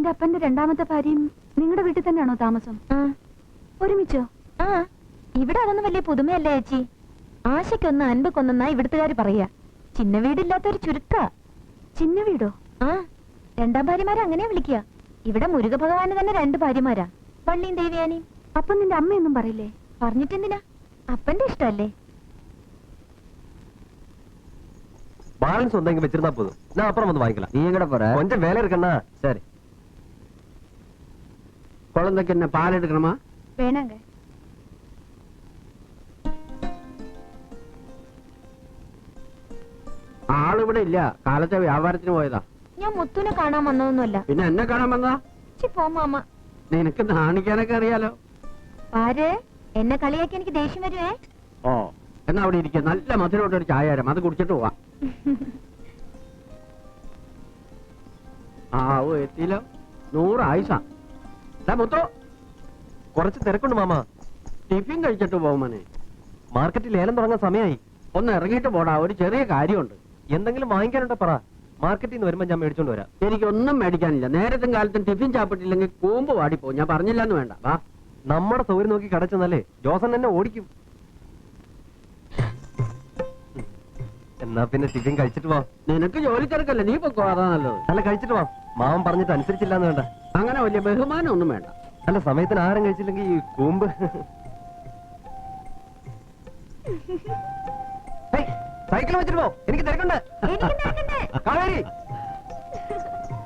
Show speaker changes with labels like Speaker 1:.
Speaker 1: നിന്റെ അപ്പന്റെ രണ്ടാമത്തെ ഭാര്യയും നിങ്ങളുടെ വീട്ടിൽ തന്നെയാണോ താമസം? ഒരുമിച്ചോ?
Speaker 2: ഇവിടെ അതൊന്നും വലിയ പുതുമയല്ലേ ചേച്ചി. ആശയ്ക്കൊന്ന് അൻപക്കൊന്നാ ഇവിടുത്തുകാര് പറയാ. ചിന്ന വീടില്ലാത്തൊരു ചുരുക്ക.
Speaker 1: ചിന്ന വീടോ?
Speaker 2: രണ്ടാം ഭാര്യമാരെ അങ്ങനെ വിളിക്കുക. ഇവിടെ മുരുക ഭഗവാന് തന്നെ 2 ഭാര്യമാരാ, വള്ളിയും ദേവിയാനിയും.
Speaker 1: അപ്പൊ നിന്റെ അമ്മയൊന്നും പറയില്ലേ?
Speaker 2: പറഞ്ഞിട്ടെന്തിനാ, അപ്പന്റെ ഇഷ്ടല്ലേ.
Speaker 3: ബാലൻസ് ഉണ്ടെങ്കിൽ വെച്ചിരുന്നാ പോതും. ഞാൻ അപ്പുറം വന്ന് വാങ്ങിക്കല.
Speaker 4: നീ കൂടെ പോറ.
Speaker 3: കൊഞ്ചം വേല ഇരിക്കണ്ണ. ശരി.
Speaker 4: குழந்தைக்கு என்ன பால் எடுக்கணுமா?
Speaker 1: വേണങ്ക.
Speaker 4: ആളിവിടെ ഇല്ല, കാലത്തെ വ്യാപാരത്തിന് പോയതാ.
Speaker 2: ഞാൻ മുത്തുനെ കാണാൻ വന്നതൊന്നുമല്ല.
Speaker 4: പിന്നെ എന്നെ കാണാൻ വന്നതാ?
Speaker 2: പോ മാമ,
Speaker 4: നിനക്ക് നാണിക്കാനൊക്കെ അറിയാലോ.
Speaker 2: ആര് എന്നെ കളിയാക്കി എനിക്ക് ദേഷ്യം വരുവേ.
Speaker 4: ഓ, എന്നാ അവിടെ ഇരിക്കുക. നല്ല മധുരമായിട്ടൊരു ചായ തരാം, അത് കുടിച്ചിട്ട് പോവാ. എത്തിയില്ലോ. 100 ആയിസാ. മുത്തോ,
Speaker 3: കുറച്ച് തിരക്കുണ്ട് മാമ.
Speaker 4: ടിഫിൻ കഴിച്ചിട്ട് പോകുമനെ.
Speaker 3: മാർക്കറ്റിൽ ലേലം തുടങ്ങാൻ സമയമായി.
Speaker 4: ഒന്ന് ഇറങ്ങിയിട്ട് പോടാ, ഒരു ചെറിയ കാര്യമുണ്ട്.
Speaker 3: എന്തെങ്കിലും വാങ്ങിക്കാനുണ്ടോ പറ. മാർക്കറ്റിൽ നിന്ന് വരുമ്പോ ഞാൻ മേടിച്ചോണ്ട് വരാം.
Speaker 4: എനിക്കൊന്നും മേടിക്കാനില്ല. നേരത്തും കാലത്തും ടിഫിൻ ചാപ്പിട്ടില്ലെങ്കിൽ കൂമ്പ് വാടിപ്പോ. ഞാൻ പറഞ്ഞില്ലെന്ന് വേണ്ട. വാ,
Speaker 3: നമ്മുടെ സൗകര്യം നോക്കി കടച്ചെന്നല്ലേ ജോസൻ എന്നെ ഓടിക്കും. എന്നാ പിന്നെ ടിഫിൻ കഴിച്ചിട്ട് വാ.
Speaker 4: നിനക്ക് ജോലി തിരക്കല്ലേ, നീ പൊക്കോ. അതാ നല്ലത്.
Speaker 3: അല്ല, കഴിച്ചിട്ട് വാ. മാമൻ പറഞ്ഞിട്ട് അനുസരിച്ചില്ലാന്ന് വേണ്ട.
Speaker 4: അങ്ങനെ വലിയ ബഹുമാനം ഒന്നും വേണ്ട.
Speaker 3: അല്ല, സമയത്തിന് ആഹാരം കഴിച്ചില്ലെങ്കിൽ ഈ കൂമ്പ്. സൈക്കിൾ വെച്ചിട്ട് പോ, എനിക്ക് തിരക്കുണ്ട്.
Speaker 2: എനിക്ക് തിരക്കുണ്ട്.
Speaker 3: കാവേരി